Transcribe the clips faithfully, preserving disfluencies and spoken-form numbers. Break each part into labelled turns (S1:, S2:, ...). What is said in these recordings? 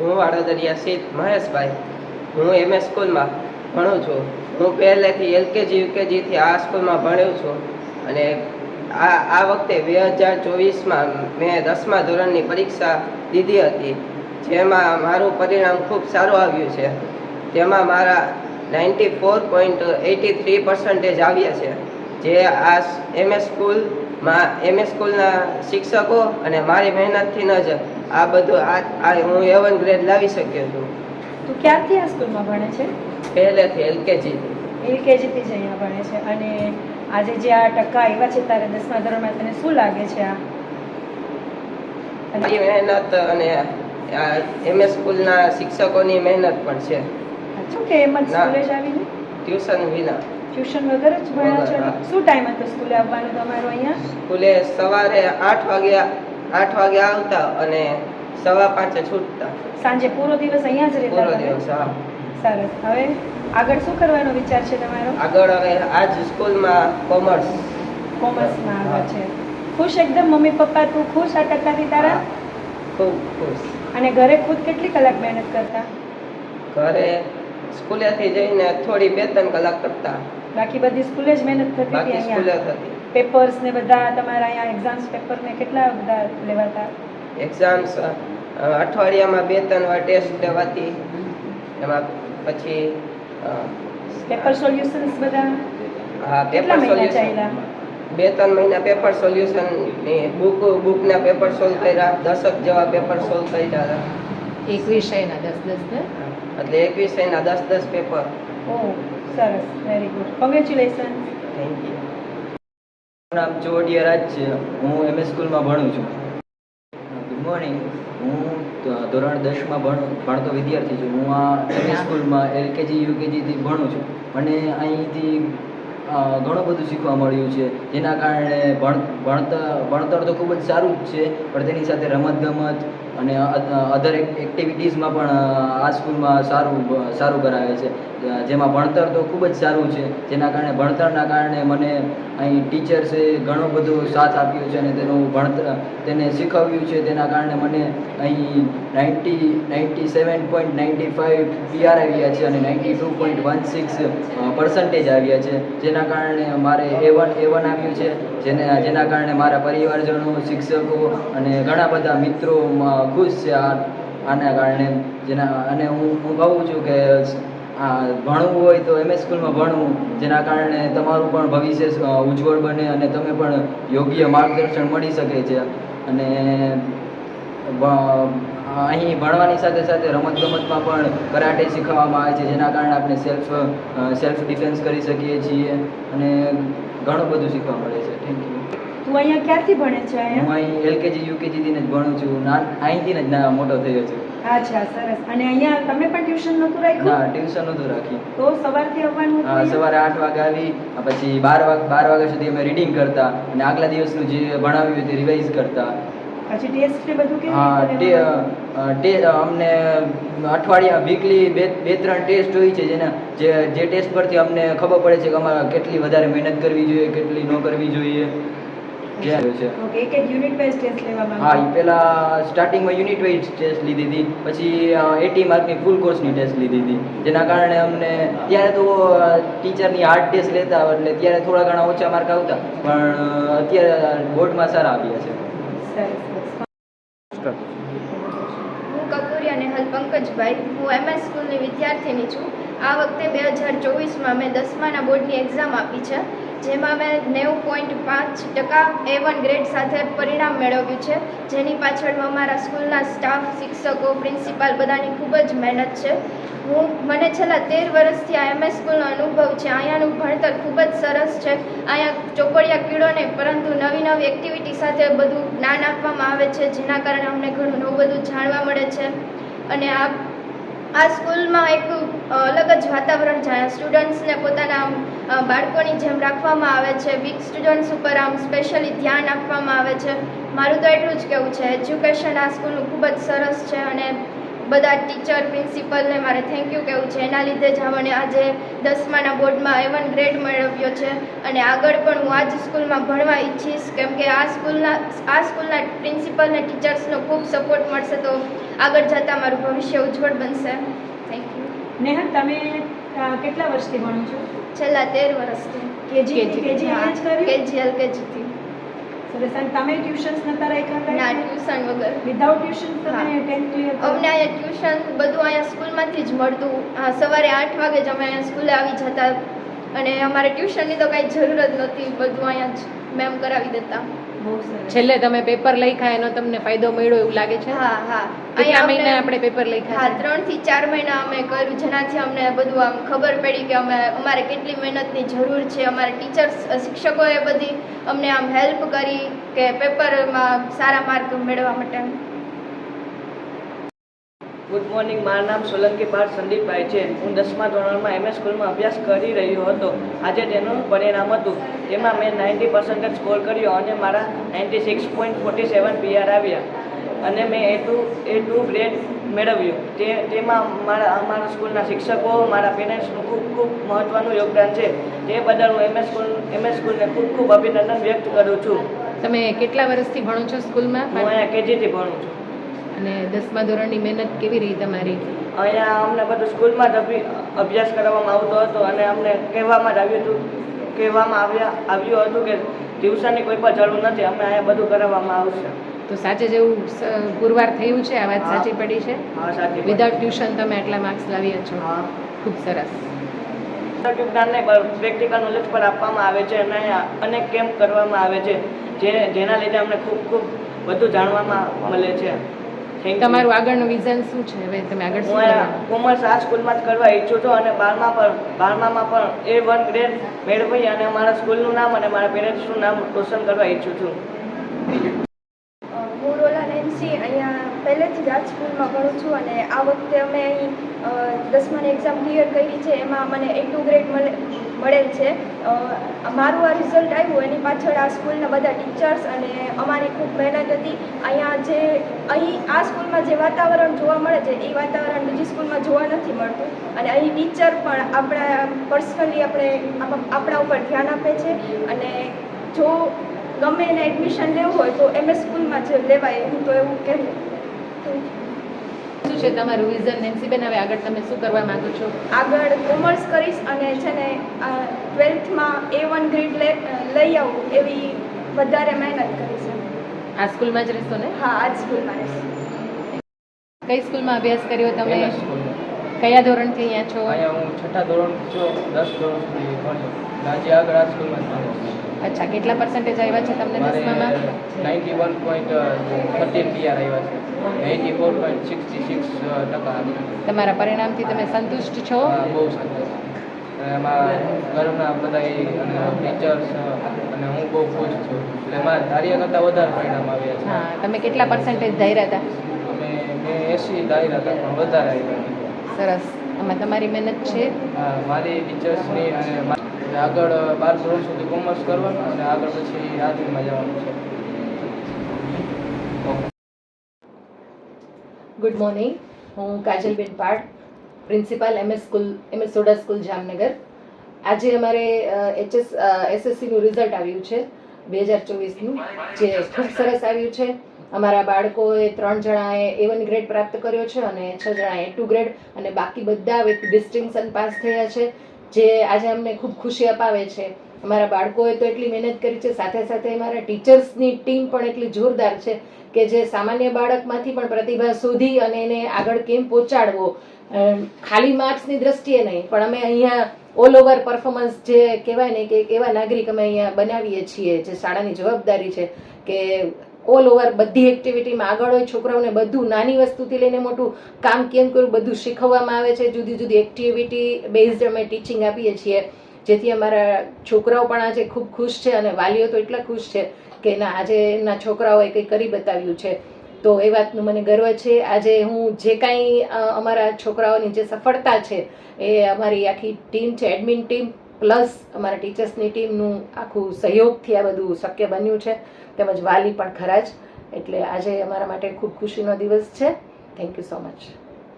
S1: હું વાડોદરિયા સ્થિત મહેશભાઈ. હું એમએસ સ્કૂલમાં ભણું છું. હું પહેલેથી એલકેજી યુકેજીથી આ સ્કૂલમાં ભણ્યો છું અને આ આ વખતે બે હજાર ચોવીસમાં મેં દસમા ધોરણની પરીક્ષા દીધી હતી, જેમાં મારું પરિણામ ખૂબ સારું આવ્યું છે. તેમાં મારા ninety four point eighty three percentage આવ્યા છે, જે આ એમએસ સ્કૂલમાં એમએસ સ્કૂલના શિક્ષકો અને મારી મહેનતથી ન જ આ બધું આ હું એ વન ગ્રેડ લાવી શક્યો છું.
S2: તું ક્યારથી આ સ્કૂલમાં ભણે છે?
S1: પહેલેથી એલકેજી
S2: એલકેજીથી જ અહીંયા ભણે છે. અને આજે જે આ ટકા આવ્યા છે તારે દસમા ધોરણમાં, તને શું લાગે છે? આ
S1: મારી મહેનત અને એમએસ સ્કૂલના શિક્ષકોની મહેનત પણ છે.
S2: શું કે એમ જ સ્કૂલે જ આવીને
S1: ટ્યુશન વિના
S2: ટ્યુશન વગર જ ભણ્યા છો? શું ટાઈમ હતો સ્કૂલે આવવાનો તમારો અહીંયા?
S1: સ્કૂલે સવારે આઠ વાગ્યા આઠ વાગે આવતા અને સવા પાંચે છૂટતા.
S2: સાંજે પૂરો દિવસ અહીંયા જ રહેતા?
S1: પૂરો દિવસ. હા,
S2: સરસ. હવે આગળ શું કરવાનો વિચાર છે તમારો?
S1: આગળ હવે આ જ સ્કૂલમાં કોમર્સ
S2: કોમર્સમાં આગળ છે. ખુશ એકદમ મમ્મી પપ્પા? તું ખુશ આ ટકાથી તારા?
S1: ખૂબ ખુશ.
S2: અને ઘરે ખુદ કેટલી કલાક મહેનત કરતા?
S1: ઘરે સ્કૂલેથી જઈને થોડી બે ત્રણ કલાક કરતા.
S2: બાકી બધી સ્કૂલે જ મહેનત થતી હતી?
S1: બાકી સ્કૂલે
S2: અહીંયા
S1: થતી.
S2: પેપર્સ ને બધા તમારા અહીંયા એક્ઝામ્સ પેપર ને કેટલા બધા લેવાતા?
S1: એક્ઝામ્સ અઠવાડિયામાં બે ત્રણ વાર ટેસ્ટ લેવાતી. એમાં પછી
S2: પેપર સોલ્યુશન્સ બધા
S1: હા
S2: કેટલા
S1: પેપર
S2: મહિના
S1: સોલ્યુશન
S2: ચાલ્યા?
S1: બે ત્રણ મહિના પેપર સોલ્યુશનની બુક બુકના પેપર સોલ્વ કર્યા. દસક જેવા પેપર સોલ્વ કર્યા હતા.
S3: એક વિષયના દસ દસ ને
S1: એટલે એક વિષયના દસ દસ પેપર.
S2: ઓહ સરસ, very good, congratulation.
S1: Thank you.
S4: મારું નામ ચોવડિયા રાજ છે. હું એમએસ સ્કૂલમાં ભણું છું. Good morning. હું ધોરણ દસમાં ભણ ભણતો વિદ્યાર્થી છું. હું આ એમએસ સ્કૂલમાં એલકેજી યુકેજીથી ભણું છું. મને અહીંથી ઘણું બધું શીખવા મળ્યું છે, જેના કારણે ભણ ભણતર ભણતર તો ખૂબ જ સારું જ છે, પણ તેની સાથે રમતગમત અને અધર એક્ટિવિટીઝમાં પણ આ સ્કૂલમાં સારું સારું કરાવે છે, જેમાં ભણતર તો ખૂબ જ સારું છે. જેના કારણે ભણતરના કારણે મને અહીં ટીચર્સે ઘણો બધો સાથ આપ્યો છે અને તેનું ભણતર તેને શીખવ્યું છે. તેના કારણે મને અહીં ninety ninety seven point ninety five PR આવ્યા છે અને ninety two point one six percentage આવ્યા છે, જેના કારણે મારે એ વન એ વન આવ્યું છે. જેને જેના કારણે મારા પરિવારજનો, શિક્ષકો અને ઘણા બધા મિત્રો ખુશ છે આ આના કારણે. જેના અને હું હું કહું છું કે આ ભણવું હોય તો એમએસ સ્કૂલમાં ભણવું, જેના કારણે તમારું પણ ભવિષ્ય ઉજ્જવળ બને અને તમે પણ યોગ્ય માર્ગદર્શન મળી શકે છે. અને અહીં ભણવાની સાથે સાથે રમતગમતમાં પણ કરાટે શીખવવામાં આવે છે, જેના કારણે આપણે સેલ્ફ સેલ્ફ ડિફેન્સ કરી શકીએ છીએ અને ઘણું બધું શીખવા મળે છે. Thank you.
S2: તું અહીંયા ક્યારથી ભણે છે?
S4: હું
S2: અહીંયા
S4: અહીં એલકેજી યુકેજીથી જ ભણું છું. નાન અહીંથી જ ના મોટો થયો છું.
S2: અચ્છા, સરસ. અને અહીંયા તમે પણ ટ્યુશન નહોતું રાખ્યું?
S4: ના, ટ્યુશન નહોતું રાખ્યું.
S2: તો સવારથી આવવાનું હતું
S4: હા,
S2: અહીંયા?
S4: સવારે આઠ વાગે આવી પછી બાર વાગ બાર વાગ્યા સુધી અમે રીડિંગ કરતા અને આગલા દિવસનું જે ભણાવ્યું તે રિવાઇઝ કરતા.
S2: પછી ટેસ્ટ ને બધું કેવી
S4: હા,
S2: રીતે
S4: તે
S2: લેવાનું?
S4: તે અમને અઠવાડિયા વીકલી બે બે ત્રણ ટેસ્ટ હોય છે, જેના જે જે ટેસ્ટ પરથી અમને ખબર પડે છે કે અમારે કેટલી વધારે મહેનત કરવી જોઈએ, કેટલી ન કરવી જોઈએ. જે છે
S2: ઓકે, એક એક યુનિટ વાઇઝ ટેસ્ટ લેવામાં
S4: હા,
S2: આવે?
S4: એ પહેલાં સ્ટાર્ટિંગમાં યુનિટ વાઇઝ ટેસ્ટ લીધી હતી, પછી એટી માર્કની ફૂલ કોર્સની ટેસ્ટ લીધી હતી, જેના કારણે અમને ત્યારે તો ટીચરની હાર્ડ ટેસ્ટ લેતા એટલે ત્યારે થોડા ઘણા ઓછા માર્ક આવતા, પણ અત્યારે બોર્ડમાં સારા આવ્યા છે.
S2: સરસ.
S5: હું કપૂરી અને હલ પંકજભાઈ. હું એમએસ સ્કૂલની વિદ્યાર્થીની છું. આ વખતે બે હજાર ચોવીસમાં મેં દસમાના બોર્ડની એક્ઝામ આપી છે, જેમાં મેં નેવું પોઈન્ટ પાંચ ટકા એ વન ગ્રેડ સાથે પરિણામ મેળવ્યું છે, જેની પાછળ અમારા સ્કૂલના સ્ટાફ, શિક્ષકો, પ્રિન્સિપાલ બધાની ખૂબ જ મહેનત છે. હું મને છેલ્લા તેર વર્ષથી આ એમએસ સ્કૂલનો અનુભવ છે. અહીંયાનું ભણતર ખૂબ જ સરસ છે. અહીંયા ચોપડિયા કીડો નહીં, પરંતુ નવી નવી એક્ટિવિટી સાથે બધું જ્ઞાન આપવામાં આવે છે, જેના કારણે અમને ઘણું નવું બધું જાણવા મળે છે. અને આ આ સ્કૂલમાં એક અલગ જ વાતાવરણ છે. સ્ટુડન્ટ્સને પોતાના બાળકોની જેમ રાખવામાં આવે છે. વીક સ્ટુડન્ટ્સ ઉપર આમ સ્પેશિયલી ધ્યાન આપવામાં આવે છે. મારું તો એટલું જ કહેવું છે, એજ્યુકેશન આ સ્કૂલનું ખૂબ જ સરસ છે અને બધા ટીચર પ્રિન્સિપલને મારે થેન્ક યુ કહેવું છે. એના લીધે જ મને આજે દસમાના બોર્ડમાં એ વન ગ્રેડ મેળવ્યો છે અને આગળ પણ હું આ જ સ્કૂલમાં ભણવા ઈચ્છીશ, કેમ કે આ સ્કૂલના આ સ્કૂલના પ્રિન્સિપલ અને ટીચર્સનો ખૂબ સપોર્ટ મળશે તો આગળ જતાં મારું ભવિષ્ય ઉજ્જવળ બનશે. Thank you.
S2: નેહા, તમે અ, કેટલા વર્ષથી ભણો છો?
S5: છેલ્લા તેર વર્ષથી
S2: કેજી કેજી અહીંયા જ કર્યું?
S5: કેજી એલકેજીથી.
S2: સરસ. અને તમે ટ્યુશન્સ નતા રાખ્યા?
S5: ના, ટ્યુશન વગર.
S2: વિધાઉટ ટ્યુશન તમે
S5: હા.
S2: ટેન્થ ક્લિયર
S5: અમને અહીંયા ટ્યુશન બધું અહીંયા સ્કૂલમાંથી જ મળતું. હા, સવારે આઠ વાગે જ અમે અહીંયા સ્કૂલે આવી જતા અને અમારે ટ્યુશનની તો કાંઈ જરૂર જ નહોતી, બધું અહીંયા જ મેમ કરાવી દેતા.
S2: બહુ સરસ.
S3: છેલ્લે તમે પેપર લખ્યા એનો તમને ફાયદો મળ્યો એવું લાગે છે?
S5: હા હા
S3: કેટલા
S5: અહીંયા
S3: મહિના
S5: અમને-
S3: આપણે પેપર લખ્યા
S5: હા,
S3: છે?
S5: ત્રણ થી ચાર મહિના અમે કર્યું, જેનાથી અમને બધું આમ ખબર પડી કે અમે અમારે કેટલી મહેનતની જરૂર છે. અમારા ટીચર્સ શિક્ષકોએ બધી અમને આમ હેલ્પ કરી કે પેપરમાં સારા માર્ક મેળવવા માટે.
S6: Good morning. મારું નામ સોલંકી પાર્થ સંદીપભાઈ છે. હું દસમા ધોરણમાં એમએસ સ્કૂલમાં અભ્યાસ કરી રહ્યો હતો. આજે તેનું પરિણામ હતું. તેમાં મેં નાઇન્ટી પર્સન્ટેજ સ્કોર કર્યો અને મારા ninety six point forty seven PR આવ્યા અને મેં A two A two grade મેળવ્યું. તે તેમાં મારા અમારા સ્કૂલના શિક્ષકો, મારા પેરેન્ટ્સનું ખૂબ ખૂબ મહત્ત્વનું યોગદાન છે. તે બદલ હું એમએસ સ્કૂલ એમએસ સ્કૂલને ખૂબ ખૂબ અભિનંદન વ્યક્ત કરું છું.
S3: તમે કેટલા વર્ષથી ભણો છો સ્કૂલમાં?
S6: હું અહીંયા કેજીથી ભણું છું.
S3: અને દસમા ધોરણની મહેનત કેવી રહી તમારી?
S6: અહીંયા અમને બધું સ્કૂલમાં જ અભિ- અભ્યાસ કરવામાં આવતો હતો અને અમને કહેવામાં જ આવ્યું હતું કહેવામાં આવ્યા આવ્યું હતું કે ટ્યુશનની કોઈ પણ જરૂર નથી, અમે અહીંયા બધું કરાવવામાં આવશે.
S3: તો સાચે જેવું સ- પુરવાર થયું છે? આ વાત
S6: હા.
S3: સાચી પડી છે?
S6: હા, સાચી.
S3: વિધાઉટ ટ્યુશન તમે આટલા માર્ક્સ લાવ્યા છો?
S6: હા.
S3: ખૂબ સરસ.
S6: જ્ઞાનને પ્રેક્ટિકલ નોલેજ પર આપવામાં આવે છે અને અહીંયા અનેક કેમ્પ કરવામાં આવે છે, જે જેના લીધે અમને ખૂબ ખૂબ બધું જાણવામાં મળે છે. Thank you.
S3: તમારું આગળનું વિઝન શું છે? હવે તમે આગળ શું
S6: હું અહીંયા
S3: કરવાનું?
S6: કોમર્સ આ સ્કૂલમાં જ કરવા ઈચ્છું છું અને બારમા પણ બારમામાં પણ એ વન ગ્રેડ મેળવી અને મારા સ્કૂલનું નામ અને મારા પેરેન્ટ્સનું નામ રોશન કરવા ઈચ્છું છું.
S5: હું રોલા નેન્સી અહીંયા પહેલેથી જ આ સ્કૂલમાં ભણું છું અને આ વખતે અમે અહીં અ, દસમાની એક્ઝામ ક્લિયર કરી છે. એમાં મને એ ટુ ગ્રેડ મળે મળેલ છે. અ, મારું આ રિઝલ્ટ આવ્યું એની પાછળ આ સ્કૂલના બધા ટીચર્સ અને અમારી ખૂબ મહેનત હતી. અહીંયા જે અહીં આ સ્કૂલમાં જે વાતાવરણ જોવા મળે છે એ વાતાવરણ બીજી સ્કૂલમાં જોવા નથી મળતું અને અહીં ટીચર પણ આપણા પર્સનલી આપણે આપ- આપણા ઉપર ધ્યાન આપે છે અને જો ગમે એને એડમિશન લેવું હોય તો એમએસ સ્કૂલમાં જ લેવાય, હું તો એવું કહું.
S3: શું છે તમારું વિઝન નેન્સીબેન? હવે આગળ તમે શું કરવા માંગો છો?
S5: આગળ કોમર્સ કરીશ અને છે ને ટ્વેલ્થમાં એ વન ગ્રેડ લઈ આવું એવી વધારે મહેનત કરીશ.
S3: આ સ્કૂલમાં જ રહેશો ને?
S5: હા, આ જ સ્કૂલમાં રહીશ.
S3: કઈ સ્કૂલમાં અભ્યાસ કર્યો તમે?
S7: એમએસ સ્કૂલમાં.
S3: કયા ધોરણથી અહીંયા છો?
S7: અહીંયા હું છઠ્ઠા ધોરણ છું, દસ ધોરણ સુધી ભણ્યો. આજે આગળ આ સ્કૂલમાં જ ભણ્યો.
S3: અચ્છા, કેટલા પર્સન્ટેજ આવ્યા છે તમને
S7: મારે
S3: દસમામાં?
S7: Ninety one point thirteen PR આવ્યા છે. Eighty four point sixty six ટકા આવ્યા.
S3: તમારા પરિણામથી તમે સંતુષ્ટ છો?
S7: આ બહુ સારું. અને એમાં ઘરના બધા અને ટીચર્સ અને હું બહુ ખુશ છું. એટલે એમાં ધાર્યા કરતાં વધારે પરિણામ આવ્યા છે.
S3: હા, તમે કેટલા પર્સન્ટેજ ધાર્યા હતા?
S7: અમે મેં એસી ધાર્યા હતા પણ વધારે આવ્યા.
S3: સરસ. આમાં તમારી મહેનત છે?
S7: હા, મારી ટીચર્સની અને મારી આગળ બાર ધોરણ સુધી કોમર્સ કરવાનું અને આગળ પછી આર્ટ્સમાં જવાનું છે.
S3: Good morning. હું Kajalben Pad, principal MS school MS Soda school Jamnagar. આજે અમારે એચએસ એસએસસીનું રિઝલ્ટ આવ્યું છે બે હજાર ચોવીસનું, જે ખૂબ સરસ આવ્યું છે. અમારા બાળકોએ ત્રણ જણાએ એ વન ગ્રેડ પ્રાપ્ત કર્યો છે અને છ જણાએ એ ટુ ગ્રેડ અને બાકી બધા વિથ ડિસ્ટિંક્શન પાસ થયા છે, જે આજે અમને ખૂબ ખુશી અપાવે છે. અમારા બાળકોએ તો એટલી મહેનત કરી છે, સાથે સાથે અમારા ટીચર્સની ટીમ પણ એટલી જોરદાર છે કે જે સામાન્ય બાળકમાંથી પણ પ્રતિભા શોધી અને એને આગળ કેમ પહોંચાડવો, ખાલી માર્ક્સની દ્રષ્ટિએ નહીં પણ અમે અહીંયા ઓલ ઓવર પરફોર્મન્સ જે કહેવાય ને કે એવા નાગરિક અમે અહીંયા બનાવીએ છીએ, જે શાળાની જવાબદારી છે કે ઓલ ઓવર બધી એક્ટિવિટીમાં આગળ હોય. છોકરાઓને બધું નાની વસ્તુથી લઈને મોટું કામ કેમ કરવું બધું શીખવવામાં આવે છે. જુદી જુદી એક્ટિવિટી બેઝડ અમે ટીચિંગ આપીએ છીએ, જેથી અમારા છોકરાઓ પણ આજે ખૂબ ખુશ છે અને વાલીઓ તો એટલા ખુશ છે કે ના આજે એમના છોકરાઓએ કંઈ કરી બતાવ્યું છે. તો એ વાતનું મને ગર્વ છે. આજે હું જે કાંઈ અમારા છોકરાઓની જે સફળતા છે એ અમારી આખી ટીમ છે, એડમિન ટીમ પ્લસ અમારા ટીચર્સની ટીમનું આખું સહયોગથી આ બધું શક્ય બન્યું છે, તેમજ વાલી પણ ખરા જ. એટલે આજે અમારા માટે ખૂબ ખુશીનો દિવસ છે. Thank you so much.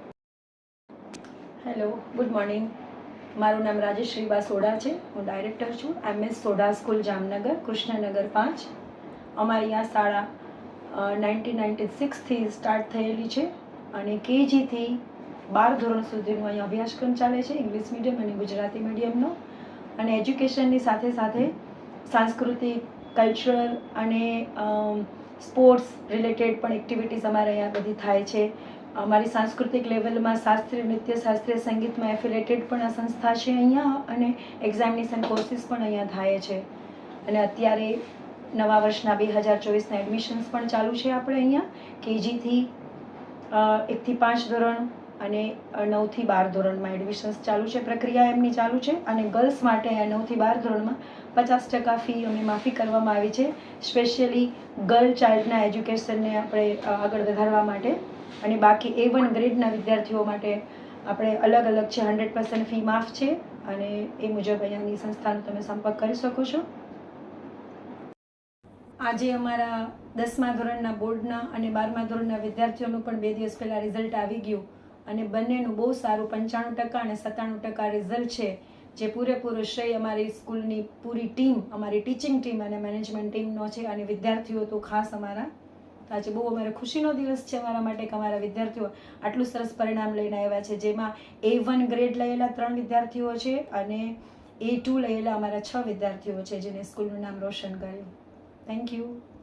S2: Hello, good morning. મારું નામ રાજેશ્રી બા સોડા છે. હું ડાયરેક્ટર છું એમએસ સોડા સ્કૂલ જામનગર, કૃષ્ણનગર પાંચ. અમારી આ શાળા નાઇન્ટીન નાઇન્ટી સિક્સથી સ્ટાર્ટ થયેલી છે અને કેજીથી બાર ધોરણ સુધીનો અહીં અભ્યાસક્રમ ચાલે છે, ઇંગ્લિશ મીડિયમ અને ગુજરાતી મીડિયમનો. અને એજ્યુકેશનની સાથે સાથે સાંસ્કૃતિક, કલ્ચરલ અને સ્પોર્ટ્સ રિલેટેડ પણ એક્ટિવિટીઝ અમારે અહીંયા બધી થાય છે. અમારી સાંસ્કૃતિક લેવલમાં શાસ્ત્રીય નૃત્ય, શાસ્ત્રીય સંગીતમાં એફિલેટેડ પણ આ સંસ્થા છે અહીંયા, અને એક્ઝામિનેશન કોર્સીસ પણ અહીંયા થાય છે. અને અત્યારે નવા વર્ષના બે હજાર ચોવીસના એડમિશન્સ પણ ચાલુ છે આપણે અહીંયા, કેજીથી એકથી પાંચ ધોરણ અને નવથી બાર ધોરણમાં એડમિશન્સ ચાલુ છે. પ્રક્રિયા એમની ચાલુ છે. અને ગર્લ્સ માટે અહીંયા નવથી બાર ધોરણમાં પચાસ ટકા ફી અમે માફી કરવામાં આવી છે, સ્પેશિયલી ગર્લ ચાઇલ્ડના એજ્યુકેશનને આપણે આગળ વધારવા માટે. અને બાકી એ વન ગ્રેડના વિદ્યાર્થીઓ માટે આપણે અલગ અલગ છે, હંડ્રેડ પર્સન્ટ ફી માફ છે. અને એ મુજબ અહીંયાની સંસ્થાનો તમે સંપર્ક કરી શકો છો. આજે અમારા દસમા ધોરણના બોર્ડના અને બારમા ધોરણના વિદ્યાર્થીઓનું પણ બે દિવસ પહેલાં રિઝલ્ટ આવી ગયું અને બંનેનું બહુ સારું પંચાણું ટકા અને સત્તાણું ટકા રિઝલ્ટ છે, જે પૂરેપૂરો શ્રેય અમારી સ્કૂલની પૂરી ટીમ, અમારી ટીચિંગ ટીમ અને મેનેજમેન્ટ ટીમનો છે. અને વિદ્યાર્થીઓ તો ખાસ અમારા, આજે બહુ અમારે ખુશીનો દિવસ છે અમારા માટે કે અમારા વિદ્યાર્થીઓ આટલું સરસ પરિણામ લઈને આવ્યા છે, જેમાં એ વન ગ્રેડ લયેલા ત્રણ વિદ્યાર્થીઓ છે અને એ ટુ લયેલા અમારા છ વિદ્યાર્થીઓ છે, જેને સ્કૂલનું નામ રોશન કર્યું. Thank you.